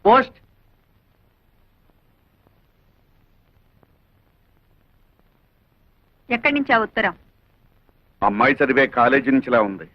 Post. ఎక్కడి నుంచి ఆ ఉత్తరం? అమ్మాయి చదివే కాలేజీ నుంచిలా ఉంది.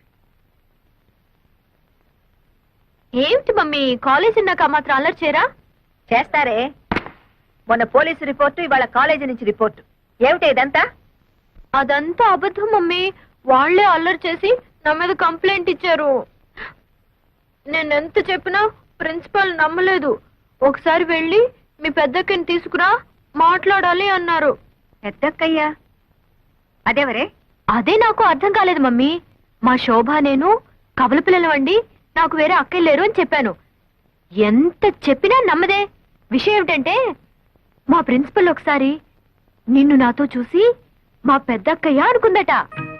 ఏమిటి మమ్మీ, కాలేజ్ ఉన్నాక మాత్రం అల్లరి చేయరా? చేస్తారే. మొన్న పోలీసు రిపోర్టు, ఇవాళ కాలేజీ నుంచి రిపోర్టు. ఏమిటి ఇదంతా? అదంతా అబద్ధం మమ్మీ. వాళ్లే అల్లరి చేసి నా మీద కంప్లైంట్ ఇచ్చారు. నేనెంత చెప్పినా ప్రిన్సిపాల్ నమ్మలేదు. ఒకసారి వెళ్ళి మీ పెద్దక్కని తీసుకురా, మాట్లాడాలి అన్నారు. పెద్దక్కయ్యా? అదేవరే? అదే నాకు అర్థం కాలేదు మమ్మీ. మా శోభ నేను కబల పిల్లలవండి, నాకు వేరే అక్కలు లేరు అని చెప్పాను. ఎంత చెప్పినా నమ్మదే. విషయం ఏమిటంటే మా ప్రిన్సిపల్ ఒకసారి నిన్ను నాతో చూసి మా పెద్దక్కయ్య అనుకుందట.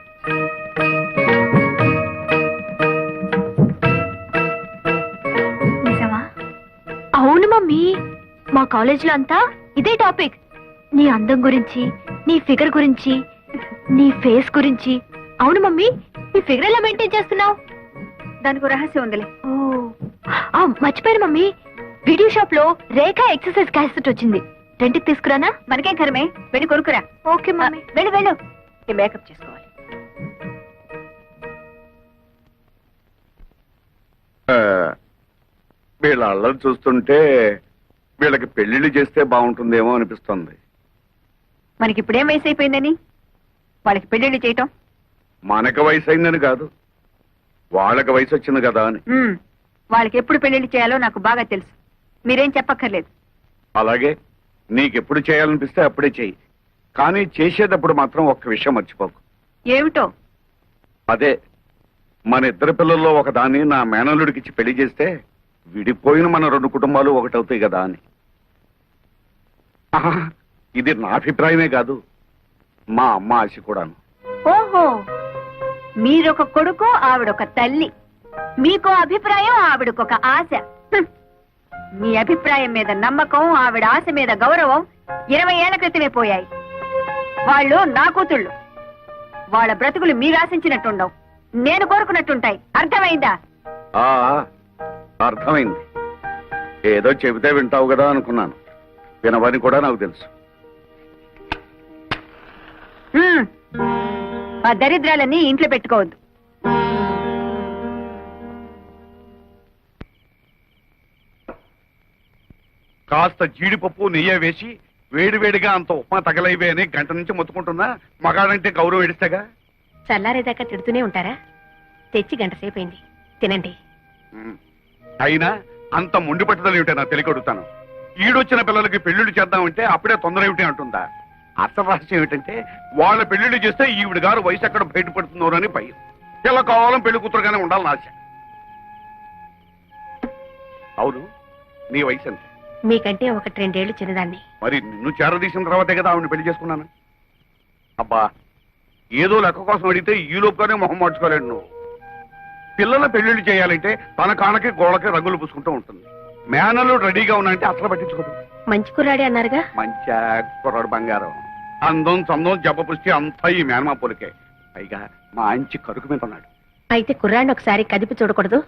నిజమా? అవును మమ్మీ, మా కాలేజీలో అంతా ఇదే టాపిక్. నీ అందం గురించి, నీ ఫిగర్ గురించి, నీ ఫేస్ గురించి. అవును మమ్మీ, నీ ఫిగర్ ఎలా మెయింటైన్ చేస్తున్నావు? దానికి రహస్యం ఉందిలే. ఓ మర్చిపోయాను మమ్మీ, వీడియో షాప్ లో రేఖ ఎక్సర్సైజ్ క్యాసెట్ వచ్చింది. రెంట్కి తీసుకురానా? మనకేం కరమే, వెళ్ళి కొనుక్కురా. Okay mummy. వెళ్ళు వెళ్ళు, ఈ మేకప్ చేసుకోవాలి. వీళ్ళ అల్లరి చూస్తుంటే వీళ్ళకి పెళ్లిళ్ళు చేస్తే బాగుంటుందేమో అనిపిస్తుంది. మనకి ఇప్పుడేం వయసు అయిపోయిందని వాళ్ళకి పెళ్లిళ్ళు చేయటం? మనకు వయసు అయిందని కాదు, వాళ్ళకి వయసు వచ్చింది కదా అని. వాళ్ళకి ఎప్పుడు పెళ్లిళ్ళు చేయాలో నాకు బాగా తెలుసు. మీరేం చెప్పక్కర్లేదు. అలాగే నీకెప్పుడు చేయాలనిపిస్తే అప్పుడే చెయ్యి. కానీ చేసేటప్పుడు మాత్రం ఒక్క విషయం మర్చిపోకు. ఏమిటో? అదే, మన ఇద్దరు పిల్లల్లో ఒకదాన్ని నా మేనల్లుడికిచ్చి పెళ్లి చేస్తే విడిపోయిన మన రెండు కుటుంబాలు ఒకటవుతాయి కదా అని. ఆహా, ఇది నా అభిప్రాయమే కాదు, మా అమ్మ ఆశ కూడాను. ఓహో, మీరొక కొడుకు, ఆవిడొక తల్లి. మీకో అభిప్రాయం, ఆవిడకొక ఆశ. మీ అభిప్రాయం మీద నమ్మకం, ఆవిడ ఆశ మీద గౌరవం 20 ఏళ్ల క్రితమే పోయాయి. వాళ్ళు నా కూతుళ్ళు. వాళ్ళ బ్రతుకులు మీరు ఆశించినట్టుండవు, నేను కోరుకున్నట్టుంటాయి. అర్థమైందా? ఆ అర్థమైంది. ఏదో చెబితే వింటావు కదా అనుకున్నాను. వినవని కూడా నాకు తెలుసు. ఆ దరిద్రాలన్నీ ఇంట్లో పెట్టుకోవద్దు. కాస్త జీడిపప్పు నెయ్యి వేసి వేడివేడిగా అంత ఉప్మా తగలైవే అని గంట నుంచి మొత్తుకుంటున్నా. మగాడంటే గౌరవం ఎడిస్తేగా. చల్లారేదాకా తిడుతూనే ఉంటారా? తెచ్చి గంట సేపైంది, తినండి. అయినా అంత మొండి పట్టుదల ఏమిటో నాకు తెలియకొడుతాను. ఈడొచ్చిన పిల్లలకి పెళ్లిళ్ళు చేద్దామంటే అప్పుడే తొందర ఏమిటి అంటుందా? అసలు రహస్యం ఏమిటంటే వాళ్ళ పెళ్లిళ్ళు చేస్తే ఈవిడ గారు వయసు ఎక్కడ బయటపడుతున్నారు అని భయం. ఇలా కావాలని పెళ్లి కూతురుగానే ఉండాలని ఆశ. అవును, నీ వయసు ఎంత? మీకంటే 1-2 ఏళ్లు చిన్నదాన్ని. మరి నిన్ను చేరదీసిన తర్వాతే కదా ఆవిడని పెళ్లి చేసుకున్నాను. అబ్బా, ఏదో లెక్క కోసం అడిగితే ఈ లోపుగానే మొహం మార్చుకోలేడు నువ్వు. పిల్లల పెళ్లిళ్ళు చేయాలంటే తన కానకి గోడకి రంగులు పూసుకుంటూ ఉంటుంది. మేనలు రెడీగా ఉన్నాయంటే అసలు పట్టించుకోదు. మంచి కుర్రాడే అన్నారుగా? మంచి కుర్రాడు బంగారం. అందం చందం జబ్బ పుష్టి అంతా ఈ మేనమా పొలికే. పైగా మంచి కరుకు మీద ఉన్నాడు. అయితే కుర్రాడిని ఒకసారి కదిపి చూడకూడదు?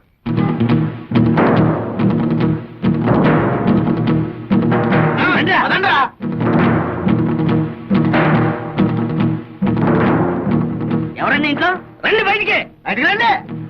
ఎవరండి ఇంట్లో? రండి బయటికి, బయటికి రండి.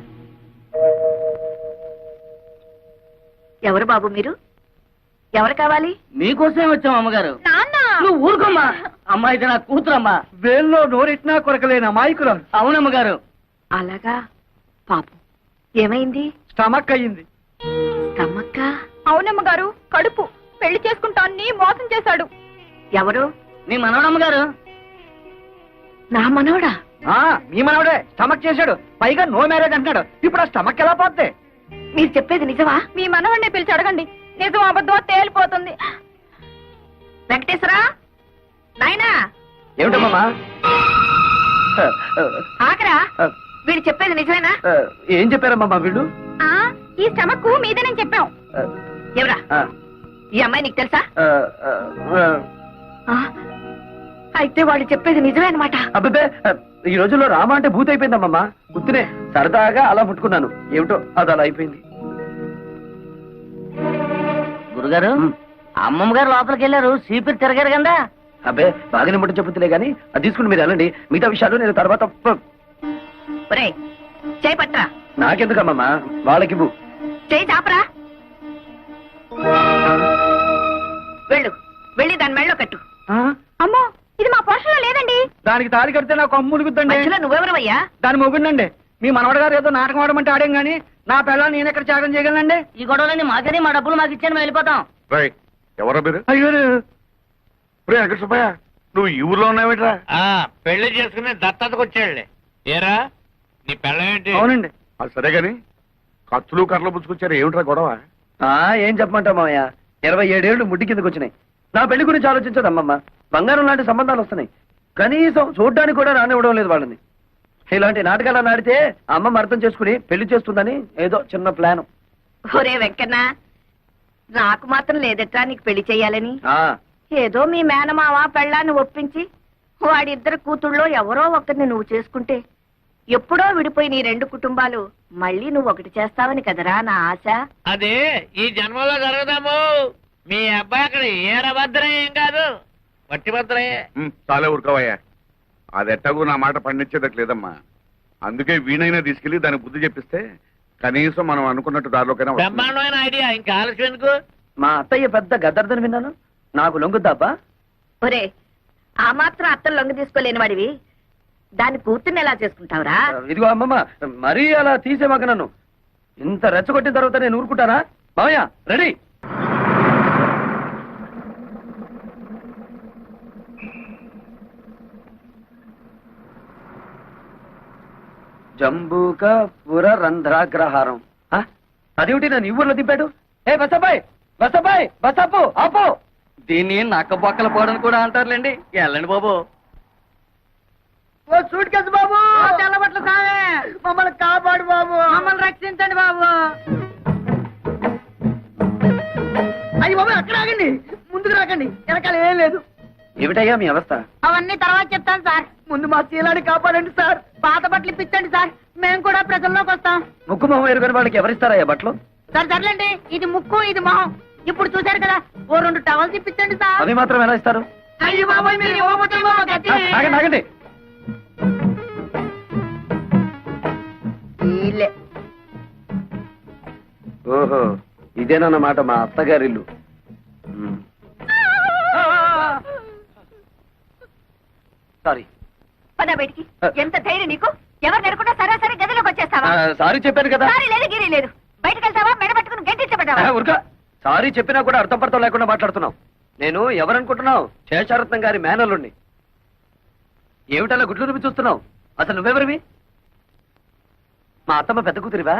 ఎవరు బాబు మీరు? ఎవరు కావాలి? మీకోసమే వచ్చాం అమ్మగారు. నాన్న, నువ్వు ఊరుకోమ్మా. అమ్మాయి నా కూతురమ్మా. వేల్లో నోరెట్నా కొరకలేని అమాయకులం. అవునమ్మగారు. అలాగా? పాపం ఏమైంది? స్టమక్ అయ్యింది. తమ్మక్క? అవునమ్మగారు, కడుపు. పెళ్లి చేసుకుంటాన్ని మోసం చేశాడు. ఎవరు? నీ మనవడమ్మగారు. నా మనవడా? మీ మనవడే స్టమక్ చేశాడు. పైగా నో మ్యారేజ్ అంటున్నాడు. ఇప్పుడు ఆ స్టమక్ ఎలా పోద్ది? మీరు చెప్పేది నిజమా? మీ మనవడిని పిలిచి అడగండి, నిజం అబద్ధం తేలిపోతుంది. వెంకటేశ్వరా, నాయనా. ఏమిటమ్మా? ఆకరా, వీడు చెప్పేది నిజమేనా? ఏం చెప్పారమ్మా వీళ్ళు? ఈ స్టమక్ మీదేనని చెప్పాం. ఎవరా ఈ అమ్మాయి? నీకు తెలుసా? అయితే వాళ్ళు చెప్పేది నిజమే అనమాట. అబ్బే, ఈ రోజుల్లో రామ అంటే భూత అయిపోయిందమ్మా. గుర్తునే సరదాగా అలా ముట్టుకున్నాను. ఏమిటో అది అలా అయిపోయింది. గురుగారు అమ్మమ్మ గారు లోపలికి వెళ్ళారు సీపీ తిరగారు కదా. అబ్బే బాగానే ముట్ట చెప్పుతులే గానీ అది తీసుకుని మీరు వెళ్ళండి, మిగతా విషయాలు నేను తర్వాత ఒరేయ్ చేయి పట్రా, నాకెందుకమ్మమ్మా, వాళ్ళకివ్వు. చేయి చాపరా. వెళ్ళు, వెళ్ళి దాని మెళ్ళో కట్టు. అమ్మో, ఇది మా పోషణలో లేదండి. దానికి తాళి కడితే నాకు అమ్ములుగుద్దండి. మధ్యలో నువ్వెవరవయ్యా? దాని మొగుండండి. మీ మనవడ గారు ఏదో నాటకం ఆడమంటే ఆడాం గానీ నా పిల్లలు నేను ఎక్కడ త్యాగం చేయగలనండి? ఈ గొడవలన్నీ మాకని మా డబ్బులు మాకు ఇచ్చాను మేము వెళ్ళిపోతాం. రై ఎవరో మీరు? అయ్యో రే వెంకట సుబ్బయ్య, నువ్వు ఈ ఊర్లో ఉన్నావేట్రా? పెళ్లి చేసుకుని దత్తతకు వచ్చాడులే. ఏరా నీ పెళ్ళమేంటి? అవునండి. అది సరే గాని కత్తులు కర్రలు పుచ్చుకొచ్చారు, ఏమిట్రా గొడవ? ఏం చెప్పమంటావు మావయ్య, 27 ఏళ్ళు ముడ్డి కిందకు వచ్చినాయి. నా పెళ్లి గురించి ఆలోచించదు అమ్మమ్మ. బంగారం లాంటి సంబంధాలు వస్తున్నాయి, కనీసం చూడ్డానికి కూడా రానివ్వడం లేదు వాళ్ళని. ఇలాంటి నాటకాలు ఆడితే అమ్మమ్మ అర్థం చేసుకుని పెళ్లి చేస్తుందని ఏదో చిన్న ప్లాన్. ఒరే వెంకన్న, నాకు మాత్రం లేదట్రా నీకు పెళ్లి చెయ్యాలని. ఏదో మీ మేనమావ పెళ్ళాన్ని ఒప్పించి వాడిద్దరు కూతుళ్ళో ఎవరో ఒకరిని నువ్వు చేసుకుంటే ఎప్పుడో విడిపోయి నీ 2 కుటుంబాలు మళ్ళీ నువ్వు ఒకటి చేస్తావని కదరా నా ఆశ. అదే ఈ జన్మలో జరగదాము. మీ అబ్బాయి అక్కడ ఏరభద్రం ఏం కాదు, వట్టి భద్రయే. చాలే ఊరుకోవయ్యా, అది ఎట్టకు నా మాట పండించేదట్లేదమ్మా. అందుకే వీణైనా తీసుకెళ్లి దానికి బుద్ధి చెప్పిస్తే కనీసం మనం అనుకున్నట్టు దారిలోకైనా వస్తుంది. బ్రహ్మాండమైన ఐడియా, ఇంకా ఆలస్యం ఎందుకు? మా అత్తయ్య పెద్ద గద్దర్దని విన్నాను, నాకు లొంగుద్దాబ్బా? ఒరే, ఆ మాత్రం అత్తలు లొంగ తీసుకోలేని వాడివి దాని కూతుర్ని ఎలా చేసుకుంటావురా? ఇదిగో అమ్మమ్మ, మరీ అలా తీసేమాక నన్ను. ఇంత రెచ్చగొట్టిన తర్వాత నేను ఊరుకుంటానా? మావయ్య రెడీ. జంబూక పుర రంధ్రాగ్రహారం. అదేమిటి నన్ను ఈ ఊర్లో దింపాడు? ఏ బసబాయ్, బసబాయ్, బసపు ఆపో. దీన్ని నక్క బొక్కల పోవడం కూడా అంటారులేండి. వెళ్ళండి బాబు. సూట్ కేసు బాబు, తెల్లబట్ల సామే, మమ్మల్ని కాపాడు బాబు, మమ్మల్ని రక్షించండి బాబు. అయ్యి బాబు అక్కడ ఆగండి, ముందుకు రాకండి, వెనకాల ఏం లేదు. ఏమిటయ్యా మీ అవస్థ? అవన్నీ తర్వాత చెప్తాను సార్. ముందు మా శీలాన్ని కాపాడండి సార్. పాత బట్టలు ఇప్పించండి సార్, మేము కూడా ప్రజల్లోకి వస్తాం. ముక్కు మొహం ఎరుగని వాళ్ళకి ఎవరిస్తారయ్యా బట్టలు? సార్ సర్లేండి, ఇది ముక్కు ఇది మొహం. ఇప్పుడు చూశారు కదా, ఓ 2 టవల్స్ ఇప్పించండి సార్. అవి మాత్రం ఎలా ఇస్తారు? అయ్యో బాబోయ్, మీరు ఇవ్వకపోతే మాకు గతి. ఆగండి ఆగండి. వీళ్ళే. ఓహో, ఇదేనన్నమాట మా అత్తగారిల్లు. సారీ పద బయటికి. ఎంత ధైర్యం నీకు? ఎవరు నెరకుండా సరాసరి గదిలోకి వచ్చేస్తావా? సారీ చెప్పాను కదా. సారీ లేదు గిరి లేదు. బయటకు వెళ్తావా, మెడ పట్టుకుని గంటించబడ్డావా? ఉరక, సారీ చెప్పినా కూడా అర్థం పడతాం లేకుండా మాట్లాడుతున్నావు. నేను ఎవరనుకుంటున్నావు? శేషారత్నం గారి మేనల్లుండి. ఏమిటలా గుడ్లు నువ్వు చూస్తున్నావు? అసలు నువ్వెవరివి? మా అత్తమ్మ పెద్ద కూతురివా?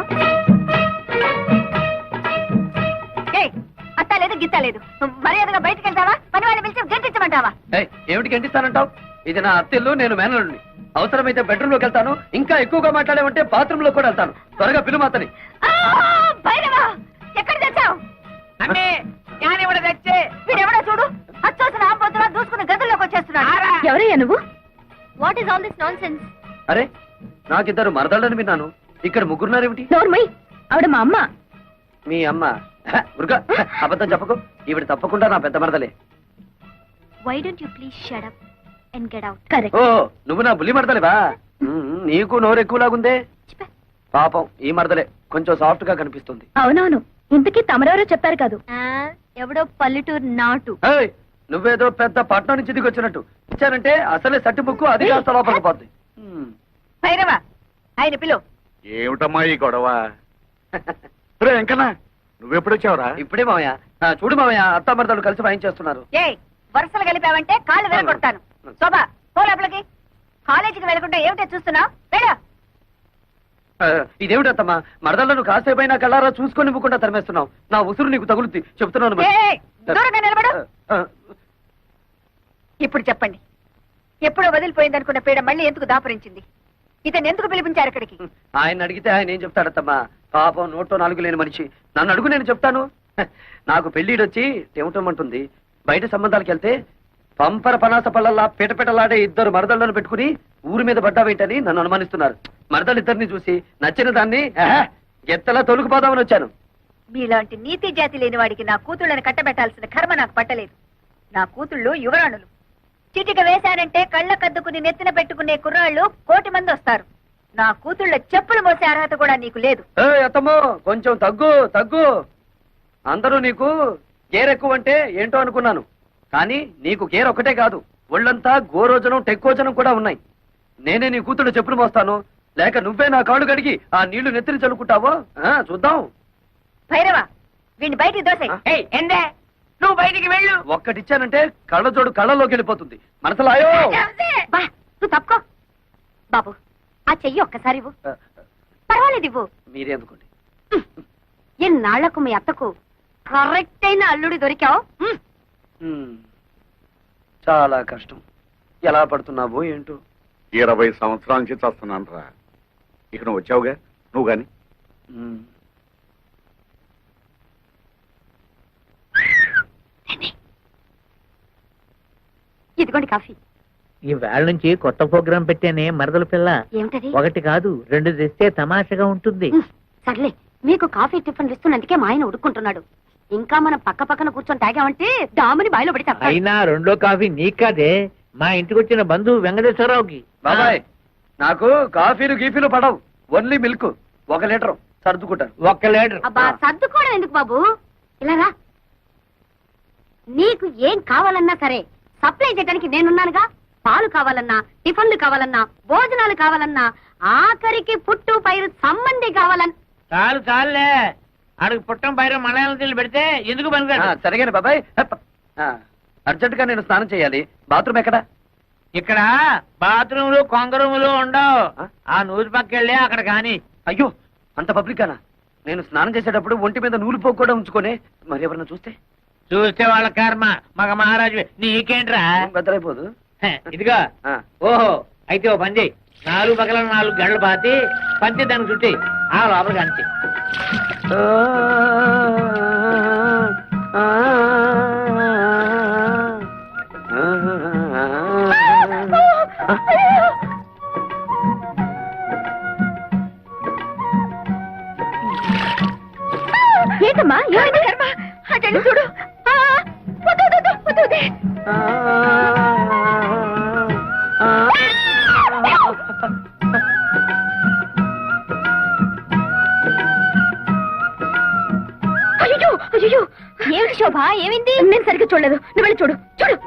అత్త లేదు గిత్త లేదు. మర్యాదగా బయటకు వెళ్తావా, పని వాళ్ళని పిలిచి గంటించమంటావా? ఏమిటి గంటిస్తానంటావు? ఇది నా అత్తిల్లు, నేను మేనల్లుండి. అవసరమైతే బెడ్రూమ్ లోకి వెళ్తాను, ఇంకా ఎక్కువగా మాట్లాడేమంటే బాత్రూమ్ లో కూడా వెళ్తాను. త్వరగా పిలువు అతని. భైరవా, ఎక్కడ తెచ్చావు? అంటే జ్ఞానివడ తెచ్చే వీడెవడో చూడు, అచ్చోసిన ఆంబోతులా దూసుకుని గదుల్లోకి వచ్చేస్తున్నాడు. ఎవరయ్యా నువ్వు? What is all this nonsense? అరే, నాకిద్దరు మరదళ్ళని విన్నాను, ఇక్కడ ముగ్గురున్నారేమిటి? నోర్మై, ఆవిడ మా అమ్మ. మీ అమ్మ? ఉరుగా, అబద్ధం చెప్పకు. ఈవిడ తప్పకుండా నా పెద్ద మరదలే. Why don't you please shut up and get out? Correct. ఓ, నువ్వు నా బుల్లి మరదలేవా? నీకు నోరు ఎక్కువలాగుందే. పాపం ఈ మరదలే కొంచెం సాఫ్ట్ గా కనిపిస్తుంది. అవునవును, ఇంతకీ తమరెవరో చెప్పారు కాదు. ఎవడో పల్లెటూరు నాటు. ఏయ్, నువ్వేదో పెద్ద పట్నం నుంచి దిగి వచ్చినట్టు ఇచ్చానంటే అసలే సట్టి ముక్కు అది కాస్త లోపలికి పోద్ది. భైరవా, ఆయన పిలు. ఏమిటమ్మా ఈ గొడవ? రే వెంకన్న, నువ్వెప్పుడొచ్చావురా? ఇప్పుడే మావయ్య. చూడు మావయ్య, అత్త మరదలు కలిసి వాయించేస్తున్నారు. ఏ వరుసలు కలిపావంటే కాళ్ళు వెళ్ళగొడతాను. శోభా, పో లోపలికి. కాలేజీకి వెళ్ళకుండా ఏమిటో చూస్తున్నావు? వెళ్ళు. ఇదేమిటత్తమ్మా, మరదలను కాసేపైనా కళ్ళారా చూసుకొని ఇవ్వకుండా తరిమేస్తున్నావు. నా ఉసురు నీకు తగులుద్ది, చెప్తున్నాను మరి. ఏయ్, దూరంగా నిలబడు. ఇప్పుడు చెప్పండి, ఎప్పుడో వదిలిపోయిందనుకున్న పీడ మళ్ళీ ఎందుకు దాపరించింది? ఇతను ఎందుకు పిలిపించారు ఇక్కడికి? ఆయన అడిగితే ఆయన ఏం చెప్తాడత్తమ్మా? పాపం నోట్లో 4 లేని మనిషి. నన్ను అడుగు, నేను చెప్తాను. నాకు పెళ్లిడొచ్చి టెమటమంటుంది. బయట సంబంధాలకు వెళ్తే పంపర పనాస పళ్ళల్లా పిటపిటలాడే 2 మరదళ్లను పెట్టుకుని ఊరి మీద పడ్డావేంటని నన్ను అనుమానిస్తున్నారు. మరదలిద్దరిని చూసి నచ్చిన దాన్ని గెత్తలా తొలుకుపోదామని వచ్చాను. మీలాంటి నీతి జాతి లేని వాడికి నా కూతుళ్ళని కట్టబెట్టాల్సిన కర్మ నాకు పట్టలేదు. నా కూతుళ్ళు యువరాణులు. చిటిక వేశారంటే కళ్ళ కద్దుకుని నెత్తిన పెట్టుకునే కుర్రాళ్ళు 1,000,000 మంది వస్తారు. నా కూతుళ్ళ చెప్పులు మోసే అర్హత కూడా నీకు లేదు. అత్తమ్మో కొంచెం తగ్గు. అందరూ నీకు గేర్ ఎక్కువ అంటే ఏంటో అనుకున్నాను, కానీ నీకు గేర్ ఒకటే కాదు, ఒళ్ళంతా గోరోజనం టెక్కోజనం కూడా ఉన్నాయి. నేనే నీ కూతుళ్ళు చెప్పులు మోస్తాను, లేక నువ్వే నా కాళ్ళు కడిగి ఆ నీళ్లు నెత్తిని చల్లుకుంటావో చూద్దాం. భైరవ, వీడిని బయటికి దోసే. ఎందే నువ్వు బయటికి వెళ్ళు. ఒక్కటిచ్చానంటే కళ్ళజోడు కళ్ళలోకి వెళ్ళిపోతుంది. మనసులాయో బా, నువ్వు తప్పుకో. బాబు, ఆ చెయ్యి ఒక్కసారి ఇవ్వు. పర్వాలేదు, ఇవ్వు. మీరే అందుకోండి. ఎన్నాళ్లకు మీ అత్తకు కరెక్ట్ అయిన అల్లుడి దొరికావు. చాలా కష్టం. ఎలా పడుతున్నావో ఏంటో. 20 సంవత్సరాల నుంచి చేస్తున్నాను రా. ఇక నువ్వు వచ్చావుగా, నువ్వు గాని. ఇదిగోండి కాఫీ. ఈ వేళ నుంచి కొత్త ప్రోగ్రాం పెట్టానే మరదల పిల్ల. ఏమిటది? 1 కాదు 2 తెస్తే తమాషగా ఉంటుంది. సర్లే, మీకు కాఫీ టిఫిన్లు ఇస్తున్నందుకే మా ఆయన ఉడుకుంటున్నాడు. ఇంకా మనం పక్క పక్కన కూర్చొని తాగామంటే డాముని బాయిలో పడి తప్ప. అయినా 2వ కాఫీ నీకు కాదే, మా ఇంటికి వచ్చిన బంధువు వెంకటేశ్వరరావుకి. బాబాయ్, నాకు కాఫీలు గీఫీలు పడవు, ఓన్లీ మిల్క్. 1 లీటర్ సర్దుకుంటాను. 1 లీటర్. అబ్బా, సర్దుకోవడం ఎందుకు బాబు, ఇలా రా. నీకు ఏం కావాలన్నా సరే సప్లై చేయడానికి నేనున్నానుగా. పాలు కావాలన్నా, టిఫిన్లు కావాలన్నా, భోజనాలు కావాలన్నా, ఆఖరికి పుట్టు పైరు సంబంధి కావాలన్నా. చాలులే, ఆడికి పుట్టం పైన మలయాళం తీళ్ళు పెడితే ఎందుకు పనికిరాడు. సరిగానే బాబాయ్. అర్జెంట్ గా నేను స్నానం చేయాలి. బాత్రూమ్ ఎక్కడా? ఇక్కడ బాత్రూములు కొంగరూములు ఉండవు. ఆ నూరు పక్కెళ్ళి అక్కడ కాని. అయ్యో, అంత పబ్లికానా? నేను స్నానం చేసేటప్పుడు ఒంటి మీద నూలు పోగు కూడా ఉంచుకొని మరి ఎవరన్నా చూస్తే చూస్తే వాళ్ళ కర్మ. మగ మహారాజు నీకేంట్రా? బద్దలైపోదు. ఇదిగా ఓహో, అయితే ఓ పని చెయ్యి. 4 పక్కల 4 గంటలు పాతి పంచి దానికి చుట్టి ఆ లోపలికి అంచి. ఏంటమ్మా, అటెండి చూడు. అయ్యో, ఏమిటి శోభ, ఏమైంది? నేను సరిగ్గా చూడలేదు, నువ్వు వెళ్ళి చూడు.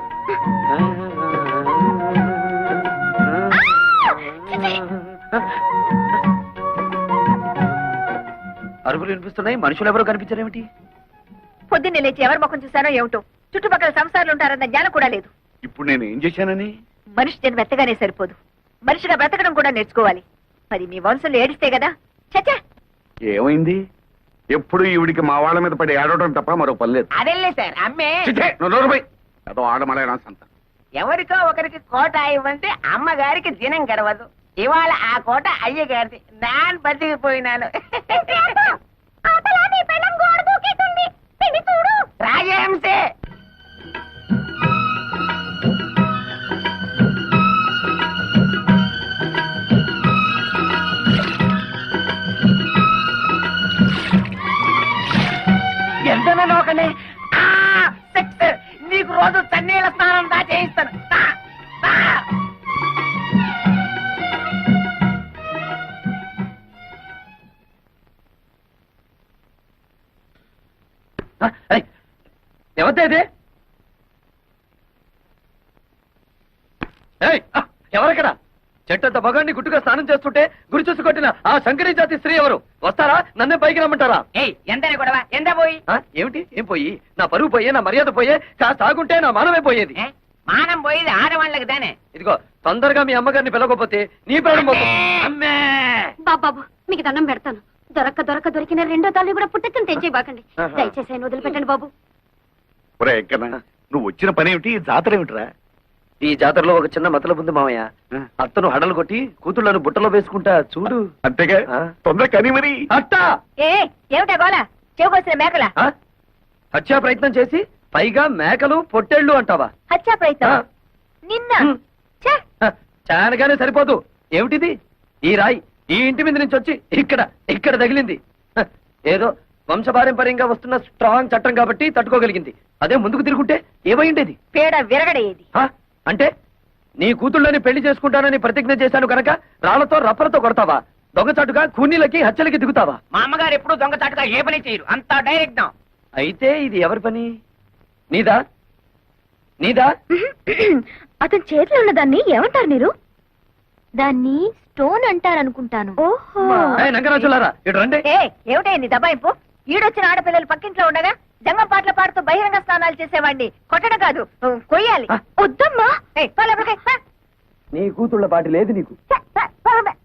అరుపులు వినిపిస్తున్నాయి, మనుషులు ఎవరో కనిపించారేమిటి? పొద్దున్నే లేచి ఎవరి ముఖం చూసానో ఏమిటో. చుట్టుపక్కల సంసారాలు ఉంటారన్న జ్ఞానం కూడా లేదు. ఇప్పుడు నేను ఏం చేశానని? మనిషి జన్మ ఎత్తగానే సరిపోదు, మనిషిగా బ్రతకడం కూడా నేర్చుకోవాలి. మరి మీ వంశంలో ఏడిస్తే కదా. చచ్చా, ఏమైంది? ఎప్పుడు ఈవిడికి మా వాళ్ళ మీద పడి ఏడవడం తప్ప మరో పని లేదు. అదేలే సార్, అమ్మే అదో ఆడమలైనా సంత. ఎవరికో ఒకరికి కోట ఇవ్వంటే అమ్మగారికి దినం గడవదు. ఇవాళ ఆ కోట అయ్యగారిది. నాన్ బతికిపోయినాను. రాజహంసే. ఎంత నోకనే. నీకు రోజు తన్నీళ్ళ స్నానం దా చేయిస్తాను. ఎవరిదే? ఎవరక్కడ? చెట్టంత మగాన్ని గుట్టుగా స్నానం చేస్తుంటే గురి చూసి కొట్టిన ఆ శంకరీ జాతి స్త్రీ ఎవరు? వస్తారా? నన్నే పైకి రమ్మంటారా? ఎంతనే గొడవ, ఎంత పోయి? ఏమిటి? ఏం పోయి? నా పరువు పోయే, నా మర్యాద పోయే, కాస్త ఆగుంటే నా మానమే పోయేది. మానం పోయేది ఆడవాళ్ళకి దానే. ఇదిగో, తొందరగా మీ అమ్మగారిని పిలవకపోతే నీ ప్రాణం పోతుంది. అమ్మే బాబాబు, మీకు దండం పెడతాను. దొరికిన 2వ తల్లి కూడా పుట్టెక్కని తెచ్చేయబాకండి. దయచేసి ఆయన వదిలిపెట్టండి బాబు. ఒరే ఎక్కడా, నువ్వు వచ్చిన పని ఏమిటి? జాతర ఏమిటిరా? ఈ జాతరలో ఒక చిన్న మతలబు ఉంది మామయ్య. అత్తను హడలు కొట్టి కూతుళ్లను బుట్టలో వేసుకుంటా చూడు. అంతేగా, తొందర కని మరి. అట్టా ఏమిటా గోళ? చెవుకొచ్చిన మేకల హత్యా ప్రయత్నం చేసి పైగా మేకలు పొట్టేళ్లు అంటావా? హత్యా ప్రయత్నం నిన్న? చానగానే సరిపోదు. ఏమిటిది? ఈ రాయి ఈ ఇంటి మీద నుంచి వచ్చి ఇక్కడ తగిలింది. ఏదో వంశపారంపర్యంగా వస్తున్న స్ట్రాంగ్ చట్టం కాబట్టి తట్టుకోగలిగింది. అదే ముందుకు తిరుగుంటే ఏమై ఉండేది? పేడ విరగడేది. హ? అంటే నీ కూతుళ్ళని పెళ్లి చేసుకుంటానని ప్రతిజ్ఞ చేశాను కనుక రాళ్లతో రప్పలతో కొడతావా? దొంగచాటుగా కూనీలకి హత్యలకి దిగుతావా? మా అమ్మగారు ఎప్పుడు దొంగచాటుగా ఏ పని చేయరు, అంతా డైరెక్ట్. అయితే ఇది ఎవరి పని? నీదా? నీదా? అతని చేతిలో ఉన్న దాన్ని ఏమంటారు మీరు? దాన్ని స్టోన్ అంటారనుకుంటాను. ఓహో. ఏయ్, నంగరాజులారా ఇటు రండి. ఏమిటే నీ దబాయింపు? ఈడొచ్చిన ఆడపిల్లలు పక్కింట్లో ఉండగా జంగం పాటలు పాడుతూ బహిరంగ స్నానాలు చేసేవాడిని కొట్టడం కాదు, కొయ్యాలి. వద్దమ్మా. ఏయ్, పో లోపలికి, పో. నీ కూతుళ్ళ పాటి లేదు నీకు.